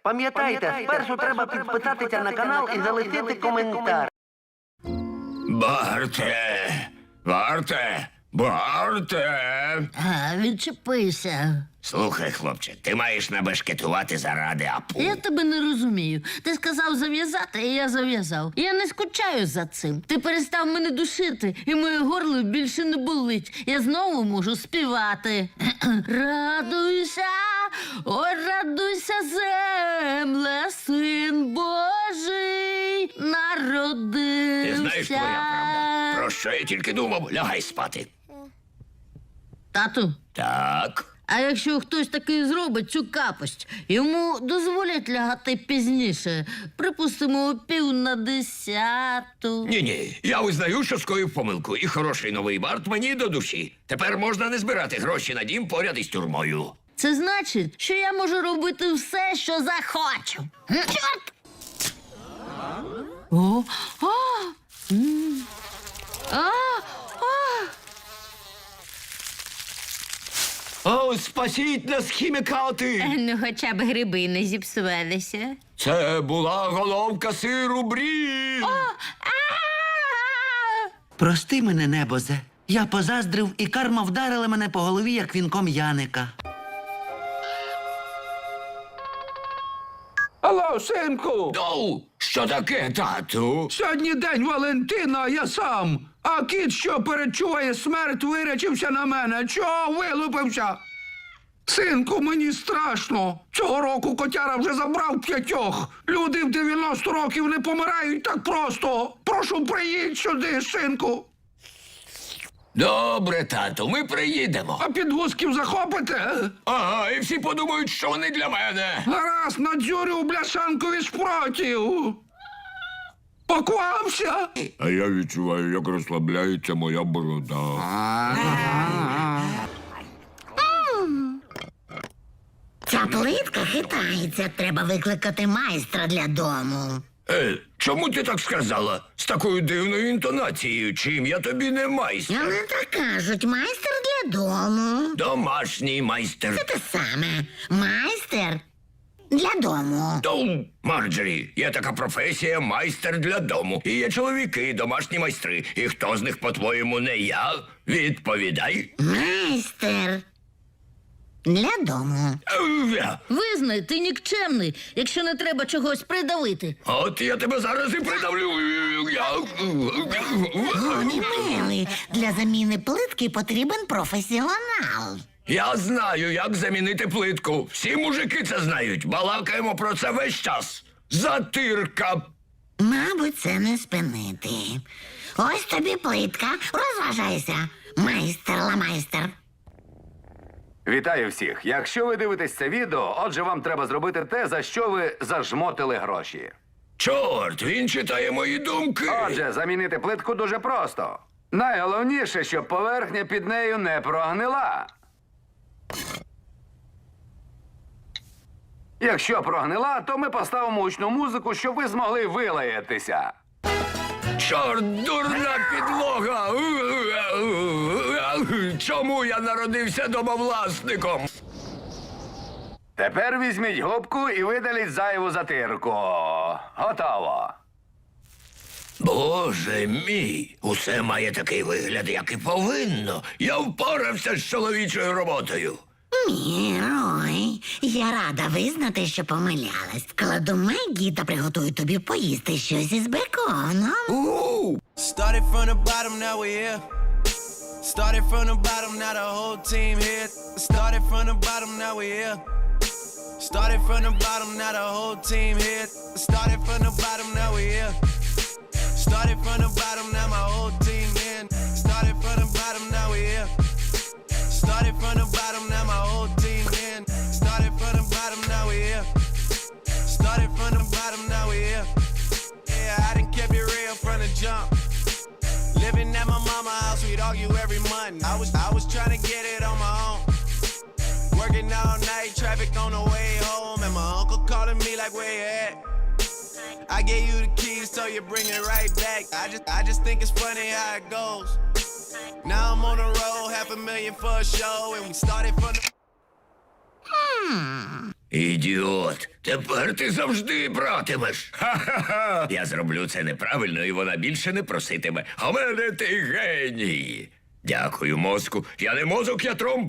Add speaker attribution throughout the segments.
Speaker 1: Пам'ятайте, спершу треба підписатися на канал і залишити коментар.
Speaker 2: Барте! Барте! Барте!
Speaker 3: Відчепися.
Speaker 2: Слухай, хлопче, ти маєш набешкетувати заради Апу.
Speaker 3: Я тебе не розумію. Ти сказав зав'язати, і я зав'язав. Я не скучаю за цим. Ти перестав мене душити, і моє горло більше не болить. Я знову можу співати. Радуйся, ой, радуйся, земле, син Божий народився.
Speaker 2: Ти знаєш, твоя правда. Про що я тільки думав? Лягай спати.
Speaker 3: Тату,
Speaker 2: Так.
Speaker 3: а якщо хтось такий зробить цю капость, йому дозволять лягати пізніше, припустимо, о 9:50.
Speaker 2: Ні-ні, я визнаю, що скоїв помилку. І хороший новий Барт мені до душі. Тепер можна не збирати гроші на дім поряд із тюрмою.
Speaker 3: Це значить, що я можу робити все, що захочу. Чорт! О, а, а,
Speaker 2: О, спасіть нас, хімікати!
Speaker 3: Ну, хоча б гриби не зіпсувалися.
Speaker 2: Це була головка сиру брі.
Speaker 1: Прости мене, небозе. Я позаздрив, і карма вдарила мене по голові, як вінком Яника.
Speaker 4: Алло, синку!
Speaker 2: Доу, що таке, тату?
Speaker 4: Сьогодні день Валентина, а я сам. А кіт, що перечуває смерть, вирячився на мене. Чого вилупився? Синку, мені страшно. Цього року котяра вже забрав 5. Люди в 90 років не помирають так просто. Прошу, приїдь сюди, синку.
Speaker 2: Добре, тату, ми приїдемо.
Speaker 4: А підгузків захопите?
Speaker 2: Ага, і всі подумають, що вони для мене.
Speaker 4: Гаразд, надзюрю бляшанкові шпротів. Поквався?
Speaker 2: А я відчуваю, як розслабляється моя борода.
Speaker 5: Ця плитка хитається. Треба викликати майстра для дому.
Speaker 2: Чому ти так сказала? З такою дивною інтонацією, чим я тобі не майстер?
Speaker 5: Але так кажуть, майстер для дому.
Speaker 2: Домашній майстер.
Speaker 5: Це те саме. Майстер для дому.
Speaker 2: Доу, Марджорі, є така професія майстер для дому. І є чоловіки, домашні майстри. І хто з них, по-твоєму, не я? Відповідай.
Speaker 5: Майстер для дому.
Speaker 3: Визнай, ти нікчемний, якщо не треба чогось придавити.
Speaker 2: От я тебе зараз і придавлю.
Speaker 5: Гоні милий, для заміни плитки потрібен професіонал.
Speaker 2: Я знаю, як замінити плитку. Всі мужики це знають. Балакаємо про це весь час. Затирка.
Speaker 5: Мабуть, це не спинити. Ось тобі плитка, розважайся. Майстер-ла-майстер.
Speaker 6: Вітаю всіх! Якщо ви дивитесь це відео, отже, вам треба зробити те, за що ви зажмотили гроші.
Speaker 2: Чорт, він читає мої думки.
Speaker 6: Отже, замінити плитку дуже просто. Найголовніше, щоб поверхня під нею не прогнила. Якщо прогнила, то ми поставимо гучну музику, щоб ви змогли вилаятися.
Speaker 2: Чорт, дурна підлога! Чому я народився домовласником?
Speaker 6: Тепер візьміть губку і видаліть зайву затирку. Готово.
Speaker 2: Боже мій, усе має такий вигляд, як і повинно. Я впорався з чоловічою роботою.
Speaker 5: Мірой, я рада визнати, що помилялась. Кладу Мегі та приготую тобі поїсти щось із беконом.
Speaker 7: Started from the bottom, now we're here. Started from the bottom, now the whole team here. Started from the bottom, now we're here. Started from the bottom, now the whole team here. Started from the bottom, now we're here. Started from the bottom, now my whole team in. Started from the bottom, now we're here. Started from the bottom, now my whole team in. Started from the bottom, now we're here. Started from the bottom, now we're here. Yeah, I done kept it real from the jump. Living at my mama's house, we'd argue every month. I was trying to get it on my own. Working all night, traffic on the way home, and my uncle calling me like, where you at? I gave you the keys, so you bring it right back. I just think it's funny how it goes. Now I'm on the road, $500,000 for a show, and we started from the...
Speaker 2: Ідіот, тепер ти завжди братимеш. Ха-ха-ха. Я зроблю це неправильно, і вона більше не проситиме. А мене ти геній. Дякую, мозку. Я не мозок, я тромб.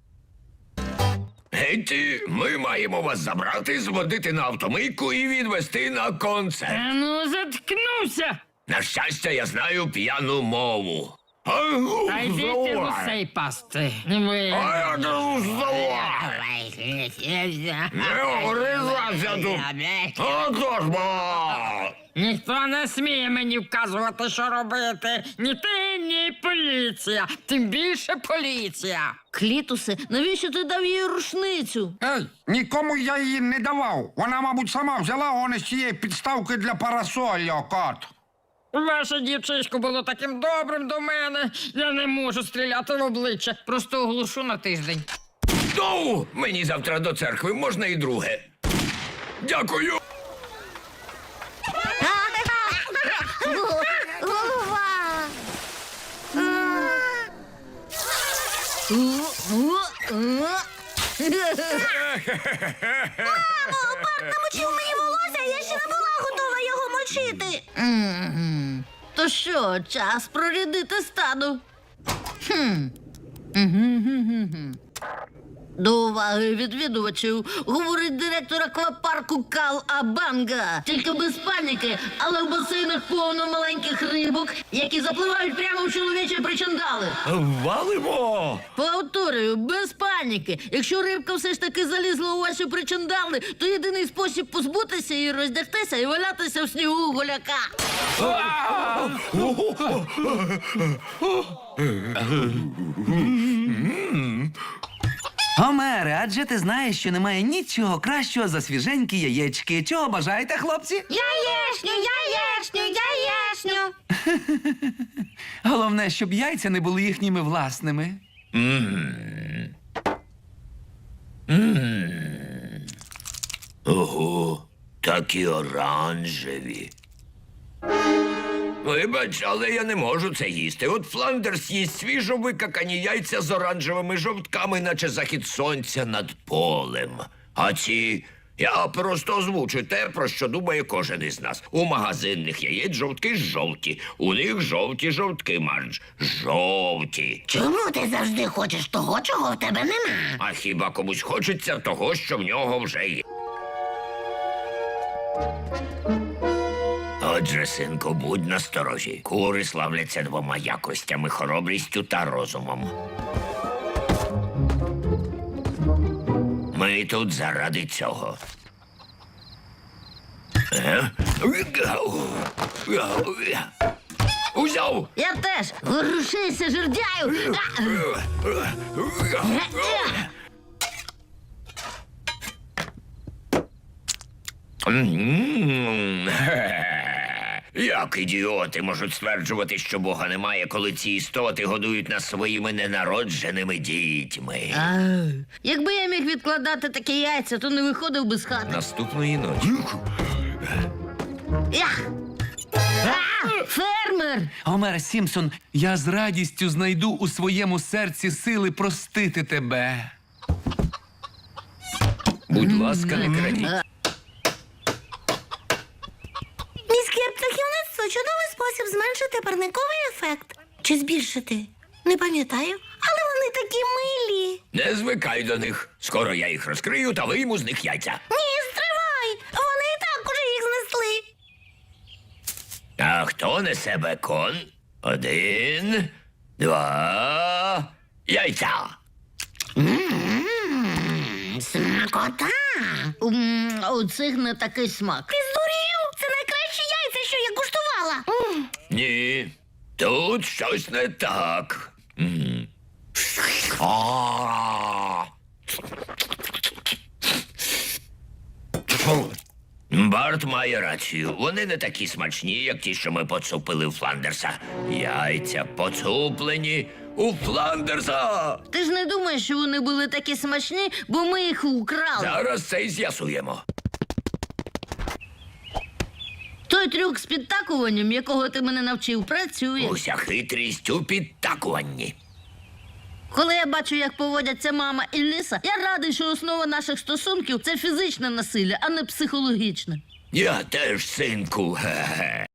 Speaker 2: Гетті, ми маємо вас забрати, зводити на автомийку і відвести на концерт.
Speaker 8: Ну, заткнувся!
Speaker 2: На щастя, я знаю п'яну мову.
Speaker 8: Та йдіть гусей пасти. Ви...
Speaker 2: А я кажу, здавай! Не огризайся тут! Отож, бо!
Speaker 8: Ніхто не сміє мені вказувати, що робити. Ні ти, ні поліція. Тим більше поліція.
Speaker 3: Клітусе, навіщо ти дав їй рушницю?
Speaker 4: Ей, нікому я її не давав. Вона, мабуть, сама взяла он із цієї підставки для парасолі, кот.
Speaker 8: Ваше дівчисько було таким добрим до мене. Я не можу стріляти в обличчя. Просто оглушу на тиждень.
Speaker 2: Ну, мені завтра до церкви можна і друге. Дякую!
Speaker 5: Голова! Намочив мені волосся, я ще не була готова його мочити.
Speaker 3: То що, час прорядити стаду? До уваги відвідувачів говорить директор аквапарку Кал Абанга. Тільки без паніки, але в басейнах повно маленьких рибок, які запливають прямо в чоловічі причандали.
Speaker 2: Валимо!
Speaker 3: Повторюю, без паніки. Якщо рибка все ж таки залізла у ваші причандали, то єдиний спосіб позбутися її роздягтися і валятися в снігу голяка.
Speaker 1: Гомере, адже ти знаєш, що немає нічого кращого за свіженькі яєчки. Чого бажаєте, хлопці?
Speaker 5: Яєшню, яєшню, яєшню.
Speaker 1: Головне, щоб яйця не були їхніми власними.
Speaker 2: Ого, такі оранжеві. Вибач, але я не можу це їсти. От Фландерс їсть свіжо викакані яйця з оранжевими жовтками, наче захід сонця над полем. А ці... Я просто озвучу те, про що думає кожен із нас. У магазинних яєць жовтки жовті. У них жовті жовтки, Мардж. Жовті.
Speaker 5: Чому ти завжди хочеш того, чого в тебе нема?
Speaker 2: А хіба комусь хочеться того, що в нього вже є? Отже, синку, будь насторожі. Кури славляться двома якостями – хоробрістю та розумом. Ми тут заради цього. Узяв!
Speaker 3: Я теж. Ворушися, жердяю.
Speaker 2: Як ідіоти можуть стверджувати, що Бога немає, коли ці істоти годують нас своїми ненародженими дітьми?
Speaker 3: Якби я міг відкладати такі яйця, то не виходив би з хати.
Speaker 2: Наступної ночі.
Speaker 3: Ях! Фермер!
Speaker 1: Гомер Сімпсон, я з радістю знайду у своєму серці сили простити тебе.
Speaker 2: Будь ласка, не крадіть.
Speaker 5: Міське птахівництво – чудовий спосіб зменшити парниковий ефект. Чи збільшити? Не пам'ятаю. Але вони такі милі.
Speaker 2: Не звикай до них. Скоро я їх розкрию та вийму з них яйця.
Speaker 5: Ні, стривай! Вони і так уже їх знесли.
Speaker 2: А хто несе бекон? 1, 2, яйця.
Speaker 5: Смакота!
Speaker 3: У цих не такий смак.
Speaker 5: Ти здурів? Це найкращі яйця, що я куштувала.
Speaker 2: Ні, тут щось не так. А. Барт має рацію. Вони не такі смачні, як ті, що ми поцупили у Фландерса. Яйця поцуплені у Фландерса.
Speaker 3: Ти ж не думаєш, що вони були такі смачні, бо ми їх украли.
Speaker 2: Зараз це й з'ясуємо.
Speaker 3: Той трюк з підтакуванням, якого ти мене навчив, працює.
Speaker 2: Уся хитрість у підтакуванні.
Speaker 3: Коли я бачу, як поводяться мама і Ліса, я радий, що основа наших стосунків – це фізичне насилля, а не психологічне.
Speaker 2: Я теж, синку. Ге-ге.